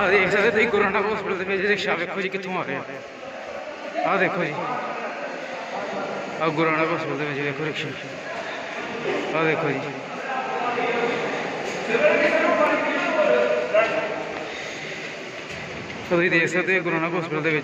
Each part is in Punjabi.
देख सकते तुम गुरु नानक हॉस्पिटल के रिक्शा वेखो जी कितों आ रहे हैं। आ देखो जी आ गुरु नानक हॉस्पिटल के देखो रिक्शा। आ देखो जी तो तुम देख सकते हो गुरु नानक हॉस्पिटल के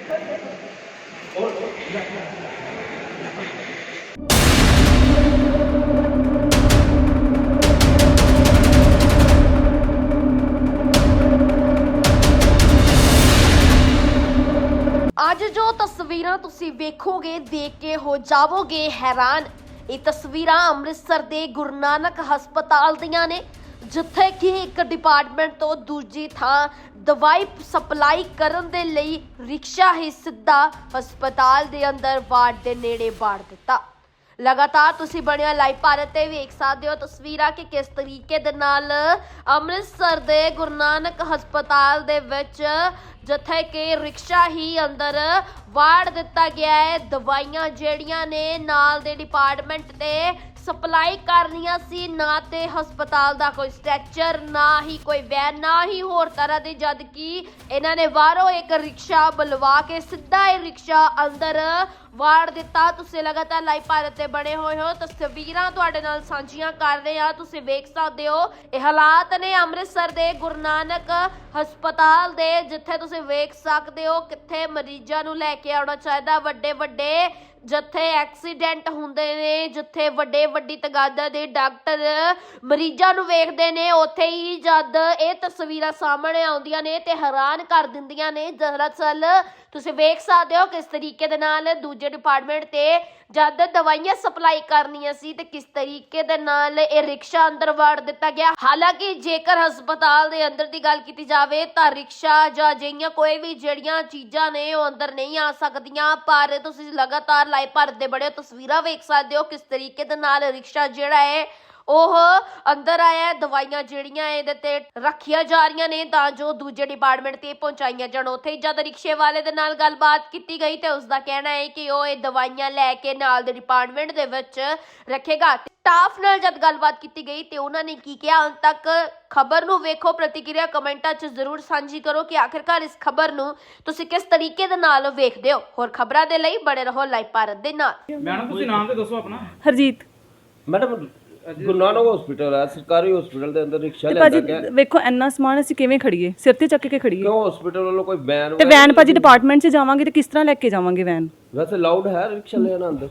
ਅੱਜ ਜੋ ਤਸਵੀਰਾਂ ਤੁਸੀਂ ਵੇਖੋਗੇ ਦੇਖ ਕੇ ਹੋ ਜਾਵੋਗੇ ਹੈਰਾਨ। ਇਹ ਤਸਵੀਰਾਂ ਅੰਮ੍ਰਿਤਸਰ ਦੇ ਗੁਰੂ ਨਾਨਕ ਹਸਪਤਾਲ ਦੀਆਂ ਨੇ, ਜਿੱਥੇ ਕਿ ਇੱਕ ਡਿਪਾਰਟਮੈਂਟ ਤੋਂ ਦੂਜੀ ਥਾਂ ਦਵਾਈ ਸਪਲਾਈ ਕਰਨ ਦੇ ਲਈ ਰਿਕਸ਼ਾ ਹੀ ਸਿੱਧਾ ਹਸਪਤਾਲ ਦੇ ਅੰਦਰ ਵਾਰਡ ਦੇ ਨੇੜੇ ਵਾੜ ਦਿੱਤਾ। ਲਗਾਤਾਰ ਤੁਸੀਂ ਬਣਿਆ ਲਾਈਵ ਭਾਰਤ ਤੇ ਵੇਖ ਸਕਦੇ ਹੋ ਤਸਵੀਰਾਂ ਕਿ ਕਿਸ ਤਰੀਕੇ ਦੇ ਨਾਲ ਅੰਮ੍ਰਿਤਸਰ ਦੇ ਗੁਰੂ ਨਾਨਕ ਹਸਪਤਾਲ ਦੇ ਵਿੱਚ ਜਿੱਥੇ ਕਿ ਰਿਕਸ਼ਾ ਹੀ ਅੰਦਰ ਵਾੜ ਦਿੱਤਾ ਗਿਆ ਹੈ। ਦਵਾਈਆਂ ਜਿਹੜੀਆਂ ਨੇ ਨਾਲ ਦੇ ਡਿਪਾਰਟਮੈਂਟ ਤੇ ਸਪਲਾਈ ਕਰਨੀਆਂ ਸੀ, ਨਾ ਤੇ ਹਸਪਤਾਲ ਦਾ ਕੋਈ ਸਟ੍ਰੈਚਰ, ਨਾ ਹੀ ਕੋਈ ਵੈਨ, ਨਾ ਹੀ ਹੋਰ ਤਰ੍ਹਾਂ ਦੇ, ਜਦ ਕਿ ਇਹਨਾਂ ਨੇ ਬਾਹਰੋਂ ਇੱਕ ਰਿਕਸ਼ਾ ਬੁਲਵਾ ਕੇ ਸਿੱਧਾ ਇਹ ਰਿਕਸ਼ਾ ਅੰਦਰ ਵਾੜ ਦਿੱਤਾ। ਤੁਸੀਂ ਲਗਾਤਾਰ ਲਾਈਵ ਭਾਰਤ ਤੇ ਬਣੇ ਹੋਏ ਹੋ, ਤਸਵੀਰਾਂ ਤੁਹਾਡੇ ਨਾਲ ਸਾਂਝੀਆਂ ਕਰ ਰਹੇ ਹਾਂ। ਤੁਸੀਂ ਵੇਖ ਸਕਦੇ ਹੋ ਇਹ ਹਾਲਾਤ ਨੇ ਅੰਮ੍ਰਿਤਸਰ ਦੇ ਗੁਰੂ ਨਾਨਕ ਹਸਪਤਾਲ ਦੇ, ਜਿੱਥੇ ਤੁਸੀਂ ਵੇਖ ਸਕਦੇ ਹੋ ਕਿੱਥੇ ਮਰੀਜ਼ਾਂ ਨੂੰ ਲੈ ਕੇ ਆਉਣਾ ਚਾਹੀਦਾ। ਵੱਡੇ ਵੱਡੇ ਜਿੱਥੇ ਐਕਸੀਡੈਂਟ ਹੁੰਦੇ ਨੇ, ਜਿੱਥੇ ਵੱਡੀ ਤਦਾਦ ਦੇ ਡਾਕਟਰ ਮਰੀਜ਼ਾਂ ਨੂੰ ਵੇਖਦੇ ਨੇ, ਉੱਥੇ ਹੀ ਜਦ ਇਹ ਤਸਵੀਰਾਂ ਸਾਹਮਣੇ ਆਉਂਦੀਆਂ ਨੇ ਤੇ ਹੈਰਾਨ ਕਰ ਦਿੰਦੀਆਂ ਨੇ। ਦਰਅਸਲ ਤੁਸੀਂ ਵੇਖ ਸਕਦੇ ਹੋ ਕਿਸ ਤਰੀਕੇ ਦੇ ਨਾਲ ਦੂਜੇ ਡਿਪਾਰਟਮੈਂਟ ਤੇ ਜਦ ਦਵਾਈਆਂ ਸਪਲਾਈ ਕਰਨੀਆਂ ਸੀ ਤੇ ਕਿਸ ਤਰੀਕੇ ਦੇ ਨਾਲ ਇਹ ਰਿਕਸ਼ਾ ਅੰਦਰ ਵਾੜ ਦਿੱਤਾ ਗਿਆ। ਹਾਲਾਂਕਿ ਜੇਕਰ ਹਸਪਤਾਲ ਦੇ ਅੰਦਰ ਦੀ ਗੱਲ ਕੀਤੀ ਜਾਵੇ ਤਾਂ ਰਿਕਸ਼ਾ ਜਾਂ ਅਜਿਹੀਆਂ ਕੋਈ ਵੀ ਜਿਹੜੀਆਂ ਚੀਜ਼ਾਂ ਨੇ ਉਹ ਅੰਦਰ ਨਹੀਂ ਆ ਸਕਦੀਆਂ, ਪਰ ਤੁਸੀਂ ਲਗਾਤਾਰ ਲਾਈਵ ਭਾਰਤ ਦੇ ਬੜੇ ਤਸਵੀਰਾਂ ਵੇਖ ਸਕਦੇ ਹੋ ਕਿਸ ਤਰੀਕੇ ਦੇ ਨਾਲ ਰਿਕਸ਼ਾ ਜਿਹੜਾ ਹੈ ਉਹ ਅੰਦਰ ਆਇਆ। ਦਵਾਈਆਂ ਜਿਹੜੀਆਂ ਇਹਦੇ ਤੇ ਰੱਖੀਆਂ ਜਾ ਰਹੀਆਂ ਨੇ ਤਾਂ ਜੋ ਦੂਜੇ ਡਿਪਾਰਟਮੈਂਟ ਤੇ ਪਹੁੰਚਾਈਆਂ ਜਾਣ। ਉੱਥੇ ਜਦ ਰਿਕਸ਼ੇ ਵਾਲੇ ਦੇ ਨਾਲ ਗੱਲਬਾਤ ਕੀਤੀ ਗਈ ਤੇ ਉਸਦਾ ਕਹਿਣਾ ਹੈ ਕਿ ਉਹ ਇਹ ਦਵਾਈਆਂ ਲੈ ਕੇ ਨਾਲ ਦੇ ਡਿਪਾਰਟਮੈਂਟ ਦੇ ਵਿੱਚ ਰੱਖੇਗਾ। ਸਟਾਫ ਨਾਲ ਜਦ ਗੱਲਬਾਤ ਕੀਤੀ ਗਈ ਤੇ ਉਹਨਾਂ ਨੇ ਕੀ ਕਿਹਾ, ਅੰਤ ਤੱਕ ਖਬਰ ਨੂੰ ਵੇਖੋ, ਪ੍ਰਤੀਕਿਰਿਆ ਕਮੈਂਟਾਂ 'ਚ ਜ਼ਰੂਰ ਸਾਂਝੀ ਕਰੋ ਕਿ ਆਖਿਰਕਾਰ ਇਸ ਖਬਰ ਨੂੰ ਤੁਸੀਂ ਕਿਸ ਤਰੀਕੇ ਦੇ ਨਾਲ ਵੇਖਦੇ ਹੋ। ਹੋਰ ਖਬਰਾਂ ਦੇ ਲਈ ਬਣੇ ਰਹੋ ਲਾਈਵ ਭਾਰਤ ਦੇ ਨਾਲ। ਮੈਡਮ ਤੁਸੀਂ ਨਾਮ ਤੇ ਦੱਸੋ ਆਪਣਾ। ਹਰਜੀਤ ਮੈਡਮ ਗੁਰੂ ਨਾਨਕ ਹਸਪੀਟਲ ਹੈ, ਸਰਕਾਰੀ ਹਸਪੀਟਲ ਦੇ ਅੰਦਰ ਰਿਕਸ਼ਾ ਤੇ ਲਿਆਂਦਾ ਭਾਜੀ ਗਿਆ। ਵੇਖੋ ਇੰਨਾ ਸਮਾਨ ਅਸੀਂ ਕਿਵੇਂ ਖੜੀਏ, ਸਿਰ ਤੇ ਚੱਕ ਕੇ ਖੜੀਏ। ਕਿਉਂ ਹਸਪੀਟਲ ਵੱਲੋਂ ਕੋਈ ਵੈਨ ਤੇ ਵੈਨ ਭਾਜੀ ਡਿਪਾਰਟਮੈਂਟ 'ਚ ਜਾਵਾਂਗੇ ਤੇ ਕਿਸ ਤਰ੍ਹਾਂ ਲੈ ਕੇ ਜਾਵਾਂਗੇ ਵੈਨ? ਵੈਸੇ ਲਾਊਡ ਹੈ ਰਿਕਸ਼ਾ ਲਿਆਣਾ ਅੰਦਰ?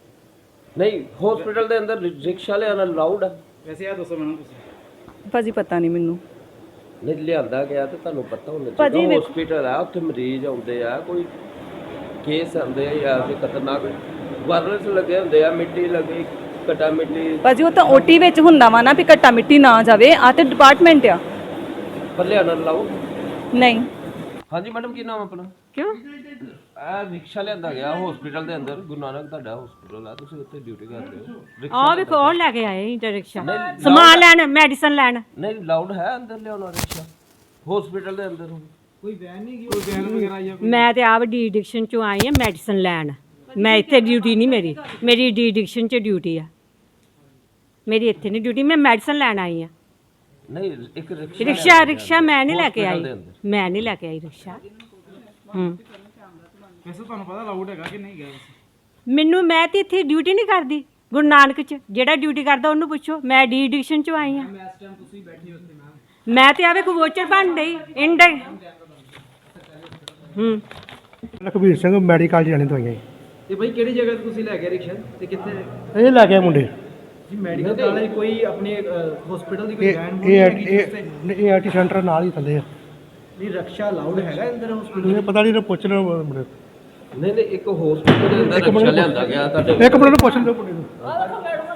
ਨਹੀਂ, ਹਸਪੀਟਲ ਦੇ ਅੰਦਰ ਰਿਕਸ਼ਾ ਲਿਆਣਾ ਲਾਊਡ ਹੈ? ਵੈਸੇ ਇਹ ਦੱਸੋ ਮੈਨੂੰ ਤੁਸੀਂ। ਭਾਜੀ ਪਤਾ ਨਹੀਂ ਮੈਨੂੰ। ਨਹੀਂ ਲਿਆਂਦਾ ਗਿਆ ਤੇ ਤੁਹਾਨੂੰ ਪਤਾ ਹੋਣਾ ਭਾਜੀ ਚਾਹੀਦਾ। ਹਸਪੀਟਲ ਹੈ, ਉੱਥੇ ਮਰੀਜ਼ ਆਉਂਦੇ ਆ, ਕੋਈ ਕੇਸ ਆਉਂਦੇ ਆ ਜਾਂ ਕੋਈ ਖਤਰਨਾਕ ਵਾਇਰਸ ਲੱਗੇ ਹੁੰਦੇ ਆ, ਮਿੱਟੀ ਲੱਗੀ, ਘਟਾ ਮਿੱਟੀ। ਭਾਜੀ ਉਹ ਤਾਂ ਓਟੀ ਵਿੱਚ ਹੁੰਦਾ ਵਾ ਨਾ ਵੀ ਘੱਟਾ ਮਿੱਟੀ ਨਾ ਜਾਵੇ, ਆ ਤੇ ਡਿਪਾਰਟਮੈਂਟ ਆ। ਪਰ ਲਿਆਣਾ ਲਾਊਡ ਨਹੀਂ। ਹਾਂਜੀ ਮੈਡਮ ਕੀ ਨਾਮ ਆਪਣਾ? ਕਿਉਂ? ਇਹ ਰਿਕਸ਼ਾ ਲਿਆਂਦਾ ਗਿਆ ਹਸਪੀਟਲ ਦੇ ਅੰਦਰ। ਗੁਰੂ ਨਾਨਕ ਤੁਹਾਡਾ ਹਸਪੀਟਲ ਆ, ਤੁਸੀਂ ਉੱਥੇ ਡਿਊਟੀ ਕਰਦੇ ਹੋ। ਆ ਵੇਖੋ ਉਹ ਲੈ ਕੇ ਆਏ ਰਿਕਸ਼ਾ ਸਮਾਨ ਲੈਣ, ਮੈਡੀਸਨ ਲੈਣ। ਨਹੀਂ ਲਾਊਡ ਹੈ ਅੰਦਰ ਲਿਆਉਣਾ ਰਿਕਸ਼ਾ ਹਸਪੀਟਲ ਦੇ ਅੰਦਰ? ਕੋਈ ਵੈਨ ਨਹੀਂ ਗਈ, ਕੋਈ ਵੈਨ ਵਗੈਰਾ ਜਾਂ ਮੈਂ ਤੇ ਆਪ ਡੀ ਐਡਿਕਸ਼ਨ ਚੋਂ ਆਈ ਆ ਮੈਡੀਸਨ ਲੈਣ। ਮੈਂ ਇੱਥੇ ਡਿਊਟੀ ਨਹੀਂ, ਮੇਰੀ ਡੀ ਐਡਿਕਸ਼ਨ 'ਚ ਡਿਊਟੀ ਆ, ਮੇਰੀ ਇੱਥੇ ਨਹੀਂ ਡਿਊਟੀ, ਮੈਂ ਮੈਡੀਸਨ ਲੈਣ ਆਈ ਆ। ਨਹੀਂ ਇੱਕ ਰਿਕਸ਼ਾ ਮੈਂ ਨਹੀਂ ਲੈ ਕੇ ਆਈ, ਮੈਂ ਨਹੀਂ ਲੈ ਕੇ ਆਈ ਰਿਕਸ਼ਾ। ਵੈਸੇ ਤੁਹਾਨੂੰ ਪਤਾ ਲਾਊਡ ਹੈਗਾ ਕਿ ਨਹੀਂ ਗਿਆ? ਮੈਂ ਤੇ ਇੱਥੇ ਡਿਊਟੀ ਨਹੀਂ ਕਰਦੀ ਗੁਰੂ ਨਾਨਕ 'ਚ, ਜਿਹੜਾ ਡਿਊਟੀ ਕਰਦਾ ਉਹਨੂੰ ਪੁੱਛੋ। ਮੈਂ ਡੀ ਐਡਿਕਸ਼ਨ 'ਚੋਂ ਆਈ ਆ। ਮੈਂ ਤੇ ਆਵੇ ਕੋ ਵੋਚਰ ਬਣ ਗਈ ਇੰਡ। ਲਖਬੀਰ ਸਿੰਘ ਮੈਡੀਕਲ ਜਾਣੇ ਦਵਾਈਆਂ ਜੀ। ਤੇ ਭਾਈ ਕਿਹੜੀ ਜਗ੍ਹਾ ਤੇ ਤੁਸੀਂ ਲੈ ਗਏ ਰਿਕਸ਼ਾ ਤੇ ਕਿੱਥੇ? ਇਹ ਲੈ ਕੇ ਮੁੰਡੇ ਜੀ ਮੈਡੀਕਲ ਵਾਲੇ ਕੋਈ ਆਪਣੇ ਹਸਪੀਟਲ ਦੀ ਕੋਈ ਵੈਨ ਇਹ ਆਰਟੀ ਸੈਂਟਰ ਨਾਲ ਹੀ ਥੱਲੇ ਆ। ਨਹੀਂ ਰਕਸ਼ਾ ਲਾਊਡ ਹੈਗਾ ਅੰਦਰ ਹਸਪੀਟਲ? ਇਹ ਪਤਾ ਨਹੀਂ, ਪੁੱਛ ਲਓ ਮੁੰਡੇ। ਨਹੀਂ ਇੱਕ ਹਸਪੀਟਲ ਦੇ ਅੰਦਰ ਰਿਕਸ਼ਾ ਲਿਆਂਦਾ ਗਿਆ ਤੁਹਾਡੇ। ਇੱਕ ਮਿੰਟ ਨੂੰ ਪੁੱਛ ਲਓ ਮੁੰਡੇ ਨੂੰ।